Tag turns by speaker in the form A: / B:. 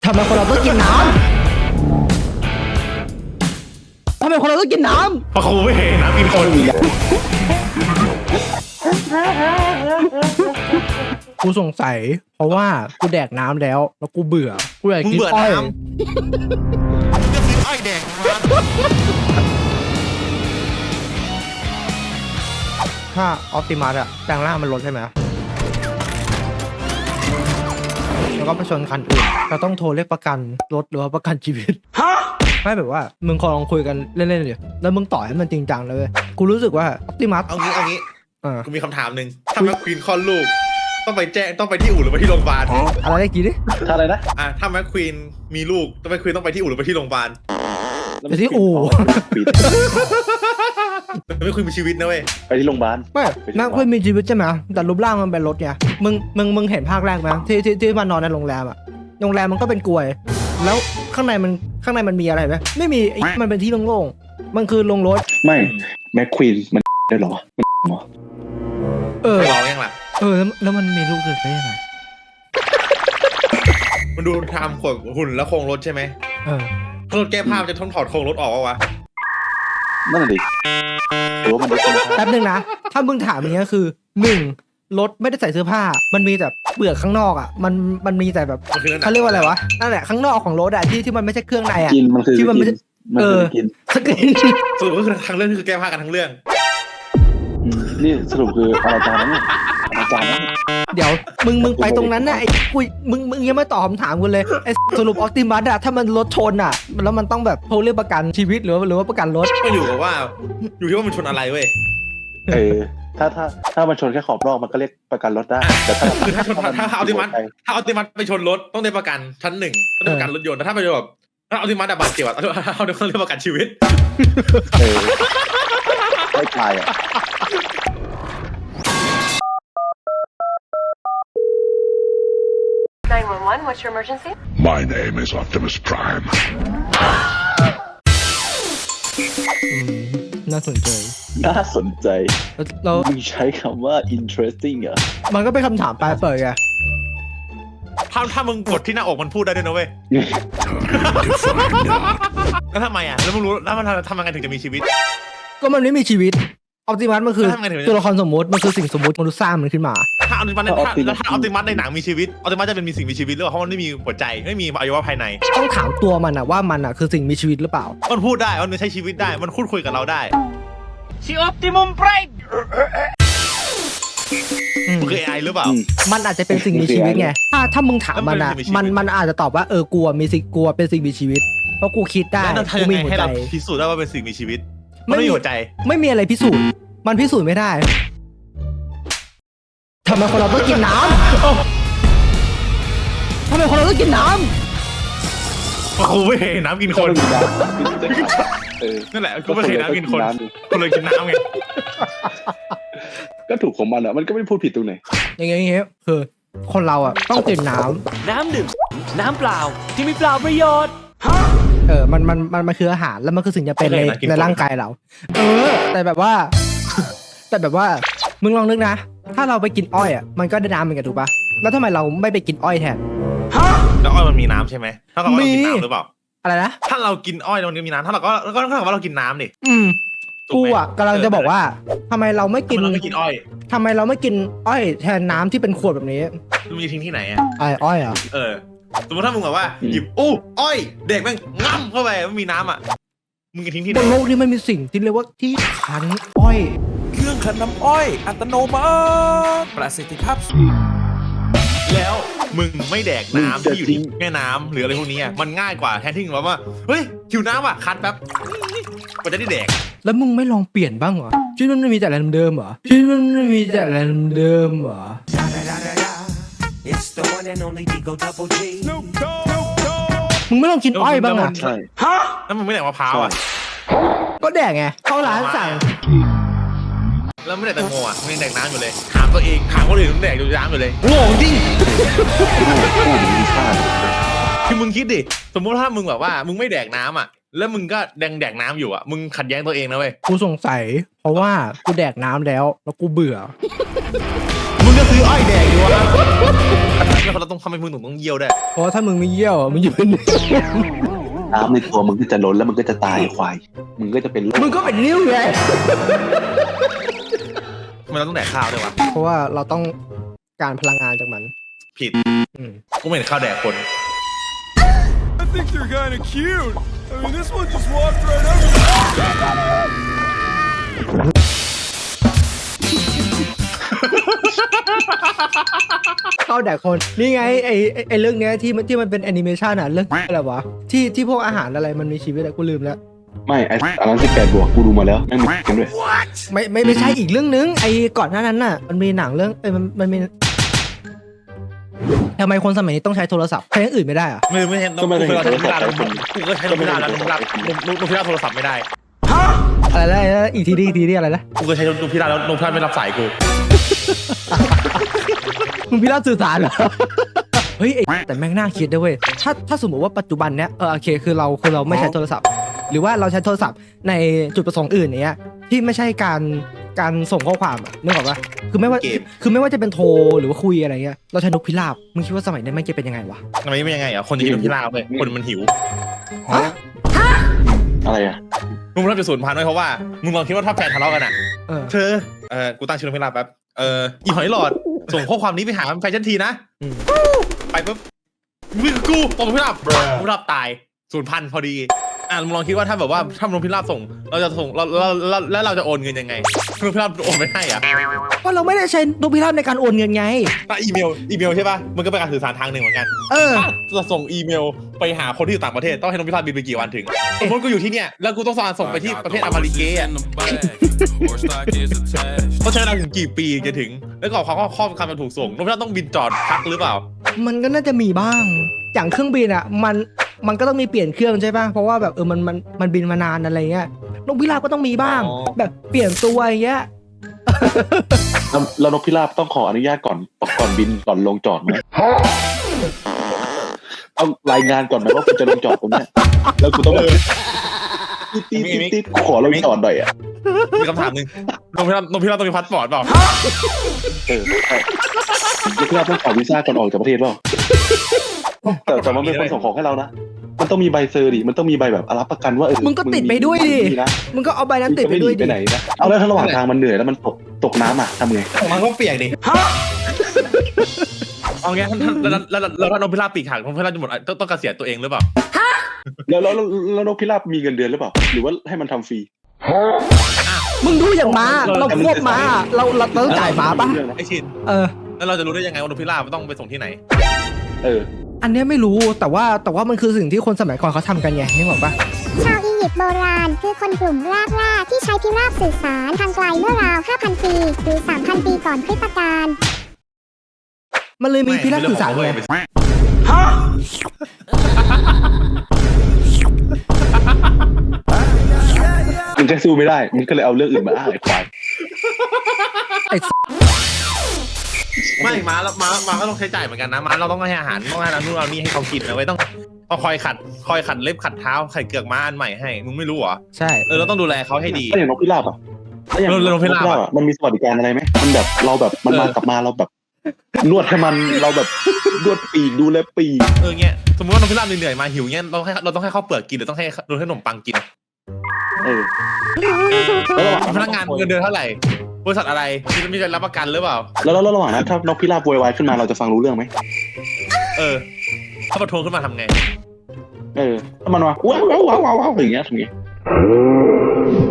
A: ทำไมคนเราต้องกินน้ำทำไมคนเราต้องกินน้ำ
B: เพราะครูไม่เห็นน้ำกินคน
A: กูสงสัยเพราะว่ากูแดกน้ำแล้วกูเบื่อกูอยากกินอ้อย
B: ก็กินอ้อยแดก
A: ถ้าออปติมัสอะแปลงร่างมันลดใช่ไหมแล้วก็ไปชนคันอื่นเราต้องโทรเรียกประกันรถหรือว่าประกันชีวิตไม่แบบว่ามึงลองคุยกันเล่นๆดิแล้วมึงต่อให้มันจริงจังเลยกูรู้สึกว่าออปติมัส
B: เอางี้กูมีคำถามหนึ่งถ้าแม็กควีนคลอดลูกต้องไปที่อู่หรือไปที่โรงพยาบาล
A: อะไรได้กี่ดิ
C: ถ้าอะไรนะ
B: ถ้าแม็กควีนมีลูกแม็กควีนต้องไปที่อู่หรือไปที่โรงพยาบาล
A: ไปที่อู่
B: แม็กควีนมีชีวิตนะเว้ย
C: ไปที่โรงพยาบาล
A: ไม่แม็กควีนมีชีวิตใช่ไหมแต่รูปร่างมันเป็นรถไงมึงเห็นภาคแรกไหมที่มันนอนในโรงแรมอะโรงแรมมันก็เป็นกลวยแล้วข้างในมันมีอะไรไหมไม่มีมันเป็นที่โล่งๆมันคือโรงรถ
C: ไม่แม็กควีนมันได้หรอ
B: รอยังล่ะ
A: แล้วมันมีลูกเกิดได้ยังไง
B: มันดูทำขวดหุ่นแล้วโครงรถใช่ไหมถ้ารถแก้ผ้าจะต้องถอดโครงรถออกวะ
C: นั่นแหละดิหรือว่ามัน
A: แป๊บนึงนะถ้ามึงถามอย่างนี้ก็คือ1รถไม่ได้ใส่เสื้อผ้ามันมีแต่เปลือกข้างนอกอ่ะมันมีแต่แบบเขาเรียกว่าอะไรวะนั่นแหละข้างนอกของรถอ่ะที่มันไม่ใช่เครื่องในอ่ะที่มันไม่ใช่สกิน
B: สรุปก็คือทั้งเรื่องคือแก้ผ้ากันทั้งเรื่อง
C: นี่สรุปคืออาจารย์นะอาจารย์นะ
A: เดี๋ยวมึงไปตรงนั้นนะไอ้กูมึงยังไม่ตอบคำถามกูเลยไอ้สรุปออปติมัสอะถ้ามันรถชนอะแล้วมันต้องแบบโทรเรียกประกันชีวิตหรือว่าประกันรถ
B: ก็อยู่ว่ามันชนอะไรเว้ย
C: ถ้ามันชนแค่ขอบนอกมันก็เรียกประกันรถได้แต่
B: ถ้าออปติมัสไปชนรถต้องได้ประกันชั้น1ต้องได้ประกันรถยนต์ถ้าไปแบบถ้าออปติมัสบาดเจ็บเขาเรียกประกันชีวิต
C: ไม่ตายอ่ะ
D: 911, what's your emergency?
E: My name is Optimus Prime.
A: น่าสนใจ
C: เราใช้คำว่า interesting อ่ะ
A: มันก็เป็นคำถามปลายเปิดไง
B: ถ้ามึงกดที่หน้าอกมันพูดได้ด้วยนะเว้ยแล้วทำไมอ่ะแล้วมึงรู้แล้วมันทำยังไงถึงจะมีชีวิต
A: ก็มันไม่มีชีวิตออปติมัสมันคือตัวละครสมมติมันคือสิ่งสมมติมนุษย์สร้างมันขึ้นมา
B: ถ้าออปติมัสในหนังมีชีวิตออปติมัสจะเป็นมีสิ่งมีชีวิตหรือเปล่าเพราะมันไม่มีหัวใจไม่มีอวัยวะภายใน
A: ต้องถามตัวมันอะว่ามันอะคือสิ่งมีชีวิตหรือเปล่า
B: มันพูดได้มันใช้ชีวิตได้มันพูดคุยกับเราได้
D: ชิออปติมุมไพรม์
B: มันคือ AI หรือเปล่า
A: มันอาจจะเป็นสิ่งมีชีวิตไงถ้ามึงถามมันอะมันอาจจะตอบว่ากลัวเป็นสิ่งมีชีวิตเพราะกูคิดได้
B: กูมีหัวใจพิสูจน์ได้ว่าเป็นสิ่งมีชีวิตไม่มีหัวใจ
A: ไม่มีอะไรพิสูจน์มันพิสูจน์ไม่ได้ทำไมคนเราต้องกินน้ำทำไมคนเราต้องกินน้
B: ำเพราะกูไม่เห็นน้ำกินคนนั่นแหละกูไม่เห็นน้ำกินคนเลยกินน้ำไง
C: ก็ถูกของมันอ่ะมันก็ไม่พูดผิดตรงไหน
A: อย่างเงี้ยคือคนเราอ่ะต้องกินน้
D: ดื่มน้ำเปล่าที่มีเปล่าประโยชน์
A: มันคืออาหารแล้วมันคือสิ่งจำเป็นในร่างกายเราแต่แบบว่ามึงลองนึกนะถ้าเราไปกินอ้อยอ่ะมันก็ได้น้ำเหมือนกันถูกปะแล้วทำไมเราไม่ไปกินอ้อยแทน
B: แล้วอ้อยมันมีน้ำใช่ไหมถ้าเรากินน้ำหรือเปล่า
A: อะไรนะ
B: ถ้าเรากินอ้อยมันมีน้ำถ้าเราก็ถ้าว่าเรากินน้ำดิ
A: กูอ่ะกำลังจะบอกว่าทำไมเราไม่กิน
B: อ้อย
A: ทำไมเราไม่กินอ้อยแทนน้ำที่เป็นขวดแบบนี้
B: มึงจะทิ้งที่ไหนอ่ะ
A: อ้อยอ่ะ
B: สมมติถ้ามึงแบบว่าหยิบอ้อยเด็กแม่งง่ำเข้าไปไม่มีน้ำอ่ะมึงจะทิ้งที่ไหน
A: บนโลกนี้มันมีสิ่งที่เรียกว่าที่ขันอ้อย
F: เครื่องขันน้ำอ้อยอัตโนมัติประสิทธิภาพ
B: แล้วมึงไม่แดกน้ำที่อยู่ที่แม่น้ำหรืออะไรพวกนี้มันง่ายกว่าแทนที่มึงว่าเฮ้ยหิวน้ำอ่ะคันแป๊บกว่าจะได้แดก
A: แล้วมึงไม่ลองเปลี่ยนบ้างเหรอชีวิตมันไม่มีแต่อะไรเดิมเหรอชีวิตมันไม่มีแต่อะไรเดิมเหรอมึงไม่ลองกินอ้อยบ้างอ่ะ
B: แล้วมึงไม่แดกมะพร้าวอ่ะ
A: ก็แดกไงเข้าร้านสั่ง
B: แล้วไม่แดกแตงโมอ่ะมึงแดกน้ำอยู่เลยถามตัวเองถามคนอื่นมึงแดกอยู่น้ำอยู่เลยโง่จริงคือมึงคิดดิสมมติถ้ามึงแบบว่ามึงไม่แดกน้ำอ่ะแล้วมึงก็แดกน้ำอยู่อ่ะมึงขัดแย้งตัวเองนะเว้ย
A: กูสงสัยเพราะว่ากูแดกน้ำแล้วกูเบื่อ
B: มึมึงก็ซื้ออ้อยแดกดีวะแล้วเราต้องทำให้มึงต้องเยี่ยวได้
A: เพราะถ้ามึงไม่เยี่ยวมึงอยู่เป็น
C: น้ำในตัวมึงก็จะล้นแล้วมึงก็จะตายควายมึงก็จะเป็นโรค
A: มึงก็เป็นนิ้วไง
B: ทำไมเราต้องแดกข้าวด้วยวะ
A: เพราะว่าเราต้องการพลังงานจากมัน
B: ผิด
A: อืม
B: กูไม่เห็นข้าวแดกคน
F: I think you're kind of cute. I mean, this one just walked right over.
A: เข้าแดกคนนี่ไงไอเรื่องเนี้ยที่มันเป็นแอนิเมชันอ่ะเรื่องอะไรวะที่พวกอาหารอะไรมันมีชีวิตอะกูลืมแล้ว
C: ไม่ไอ้อันนั้น18 บวกกูดูมาแล้วแม่งมีกันด้วย
A: ไม่ใช่อีกเรื่องนึงไอก่อนหน้านั้นน่ะมันมีหนังเรื่องมันมีทำไมคนสมัยนี้ต้องใช้โทรศัพท์ใช้อย่างอื่นไม่ได้อะ
B: ไม่เห็นต้องกูเคยใช้นมพิราบกูก็ใช้นมพิราบแล้วนมพิราบโทรศัพท์ไม่ได้
A: อะไรนะอีกทีดิอะไรนะ
B: กูเคยใช้นมพิราบแล้วนมพิราบไม่รับสายกู
A: มึงพิราบสื่อสารเหรอ เฮ้ยแต่แม่งน่าคิดด้วยเว้ยถ้าสมมติว่าปัจจุบันเนี้ยโอเคคือเราไม่ใช้โทรศัพท์ หรือว่าเราใช้โทรศัพท์ในจุดประสงค์อื่นเนี้ยที่ไม่ใช่การส่งข้อความอะนึกออกปะคือไม่ว่าจะเป็นโทรหรือว่าคุยอะไรเงี้ยเราใช้นกพิราบมึงคิดว่าสมัยนี้แม่งจะเป็นยังไงวะ
B: ทำไมไม่ยังไงอ่ะคนจะกินนมพิราบเลยคนมันหิว
C: อะไรอ่ะ
B: มึงรับจะสูญพันธุ์ไว้เพราะว่ามึงลองคิดว่าถ้าแฟนทะเลาะกันอ่ะ
A: เออ
B: เธอกูตั้งชื่อนมพิราบแป๊บอีหอยหลอดส่งข้อความนี้ไปหาแฟนฉันทีนะไปปุ๊บมึงกูตกนมพิราบนมพิราบตายสูญพันธุ์พอดีมึงลองคิดว่าถ้าแบบว่าถ้านมพิราบส่งเราจะส่งแล้วเราจะโอนเงินยังไงนมพิราบโอนไม่ให้อ่ะ
A: ก็เราไม่ได้ใช้นกพิราบในการโอนเงินไง
B: ถ้าอีเมลใช่ป่ะมันก็เป็นการสื่อสารทางหนึ่งเหมือนกัน ถ้าจะส่งอีเมลไปหาคนที่อยู่ต่างประเทศต้องให้นกพิราบบินไปกี่วันถึงสมมติกูอยู่ที่เนี่ยแล้วกูต้องส่งไปที่ประเทศอเมริกาต้องใช้เวลาถึงกี่ปีจะถึงแล้วก็ข้อคำมันถูกส่งนกพิราบต้องบินจอดพักหรือเปล่า
A: มันก็น่าจะมีบ้างอย่างเครื่องบินอ่ะมันก็ต้องมีเปลี่ยนเครื่องใช่ป่ะเพราะว่าแบบมันบินมานานอะไรเงี้ยนกพิราบก็ต้องมีบ้าง แบบเปลี่ยนตัวอย่างเงี้ย
C: แล้วนกพิราบต้องขออนุญาตก่อนบินก่อนลงจอดไหมเอารายงานก่อนไหมว่ากูจะลงจอดตรงนี้แล้วกูต้องแบบตีขอลงจอดหน่อยอ่ะ
B: มีคำถามหนึ่งนกพิราบต้องมีพาสปอร์ตเปล่า
C: นกพิราบต้องขอวีซ่าก่อนออกจากประเทศเปล่าแต่มันเป็นคนส่งของให้เรานะมันต้องมีใบเซอร์ดิมันต้องมีใบแบบรับประกันว่า
A: มึงก็ติดไปด้วยดิมึงก็เอาใบนั้นติดไปด้วยดิ
C: ไปไหนนะเอาแล้วถ้าระหว่างทางมันเหนื่อยแล้วมันตกน้ำอ่ะทำไง
B: มันก็เปียกดิเอางี้แล้วถ้านกพิราบปีกหักนกพิราบจะหมดต้องเกษียณตัวเองหรือเปล่า
C: แล้วนกพิราบมีเงินเดือนหรือเปล่าหรือว่าให้มันทำฟรี
A: มึงดูอย่างม้าเราควบม้าเราต้องจ่ายม้าป่ะ
B: ไอชินแล้วเราจะรู้ได้ยังไงว่านกพิราบต้องไปส่งที่ไหน
A: อันนี้ไม่รู้แต่ว่ามันคือสิ่งที่คนสมัยก่อนเขาทำกันไงนึกออกปะ
G: ชาวอียิปต์โบราณคือคนกลุ่มรากหญ้าที่ใช้พิราบสื่อสารทางไกลเมื่อราว 5,000 ปีหรือ 3,000 ปีก่อนคริสตกาล
A: มันเลยมีพิราบสื่อสารไง
C: มึงแค่สู้ไม่ได้มึงก็เลยเอาเรื่องอื่นมาอ้างไอ้ควาย
B: ไม่ม้าก็ต้องใช้จ่ายเหมือนกันนะม้าเราต้องให้อาหารต้องให้นู่นนี่ให้เขากินนะไว้ต้องคอยขัดเล็บขัดเท้าไข่เกือกม้าอันใหม่ให้มึงไม่รู้เหรอ
A: ใช่
B: เราต้องดูแลเขาให้ดี
C: แล้วอย่างนกพิราบอ่ะแล้วอย่างนกพิราบอ่ะมันมีสวัสดิการอะไรไหมมันแบบเราแบบมันมากลับมาเราแบบนวดให้มันเราแบบนวดปีกดูแลปีก
B: เงี้ยสมมติว่านกพิราบเหนื่อยมาหิวเงี้ยเราต้องให้ข้าวเปลือกกินหรือต้องให้ขนมปังกินพนักงานเงินเดือนเท่าไหร่บริษัทอะไรมีการรับประกันหรือเปล่า
C: แล้วระหว่างนั้นถ้านกพิราบโวยวายขึ้นมาเราจะฟังรู้เรื่องไหม
B: ถ้าประท้วงขึ้นมาทำไง
C: ถ้ามันว่าว้าวอย่างเงี้ยทำไง